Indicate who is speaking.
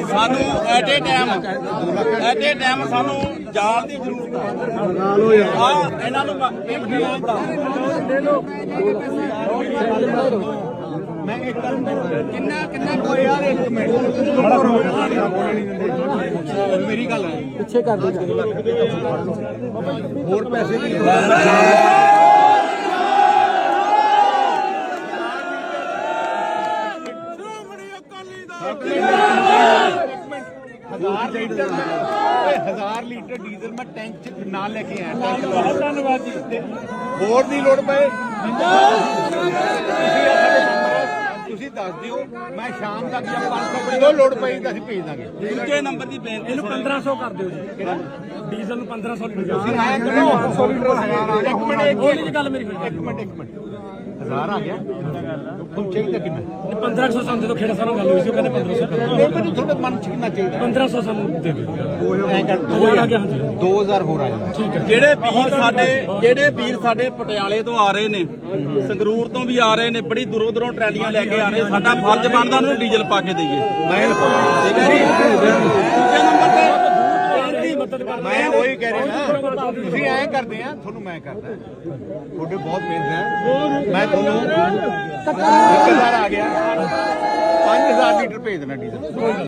Speaker 1: ਸਾਨੂੰ at a time ਸਾਨੂੰ ਜਾਲ ਦੀ ਜ਼ਰੂਰਤ ਹੈ। ਇਹਨਾਂ ਨੂੰ ਮੈਂ ਇੱਕ ਕਿੰਨਾ ਕੋਈ ਯਾਰ ਇੱਕ ਮਿੰਟ ਮੇਰੀ ਗੱਲ ਹੈ ਪਿੱਛੇ ਕਰ ਦੇ ਹੋਰ ਪੈਸੇ ਦੀ हज़ार लीटर डीजल मैं टैंक च नाल लेके आया। बहुत धन्यवाद जी। होर दी लोड़ पए ਤੁਸੀਂ ਦੱਸ ਦਿਓ ਮੈਂ ਸ਼ਾਮ ਤੱਕ ਜਾਂ 500 ਕਿਲੋ ਲੋੜ ਪਈ ਤਾਂ ਅਸੀਂ ਭੇਜ ਦਾਂਗੇ। ਦੂਜੇ ਨੰਬਰ ਦੀ ਬੇਨਤੀ ਇਹਨੂੰ 1500 ਕਰ ਦਿਓ ਜੀ। ਡੀਜ਼ਲ ਨੂੰ 1500 ਲੀਟਰ ਤੁਸੀਂ ਆਇਆ ਕਰੋ 500 ਲੀਟਰ ਇੱਕ ਮਿੰਟ ਇਹ ਗੱਲ ਮੇਰੀ ਇੱਕ ਮਿੰਟ 1000 ਆ ਗਿਆ ਤੁਹਾਨੂੰ ਚਾਹੀਦਾ ਕਿੰਨਾ 1500 ਸਾਨੂੰ ਦੇ ਦੋ ਖੇੜਾ ਸਾਨੂੰ ਗੱਲ ਹੋਈ ਸੀ ਉਹ ਕਹਿੰਦੇ 1500 ਕਰ ਦਿਓ। ਮੈਨੂੰ ਤੁਹਾਡੇ ਮਨ ਚ ਕਿੰਨਾ ਚਾਹੀਦਾ 1500 ਸਾਨੂੰ ਦੇ ਦਿਓ। 2000 ਹੋਰ ਆ ਜਾਣਾ ਠੀਕ ਹੈ। ਜਿਹੜੇ ਵੀਰ ਸਾਡੇ ਪਟਿਆਲੇ ਤੋਂ ਆ ਰਹੇ ਨੇ ਸੰਗਰੂਰ ਤੋਂ ਵੀ ਆ ਰਹੇ ਨੇ ਬੜੀ ਦੂਰੋਂ ਟਰਾਲੀਆਂ ਲੈ ਕੇ ਆ ਰਹੇ ਸਾਡਾ ਫਰਜ਼ ਬਣਦਾ ਉਹਨੂੰ ਡੀਜ਼ਲ ਪਾ ਕੇ ਦੇਈਏ। ਠੀਕ ਹੈ ਜੀ। ਦੂਜੇ ਨੰਬਰ ਤੇ ਮੈਂ ਉਹੀ ਕਹਿ ਰਿਹਾ ਨਾ ਤੁਸੀਂ ਐਂ ਕਰਦੇ ਆ ਤੁਹਾਨੂੰ ਮੈਂ ਕਰਦਾ ਤੁਹਾਡੇ ਬਹੁਤ ਮਿਹਨਤ ਹੈ ਮੈਂ ਤੁਹਾਨੂੰ 1000 ਆ ਗਿਆ 5000 ਲੀਟਰ ਭੇਜ ਦੇਣਾ ਡੀਜ਼ਲ।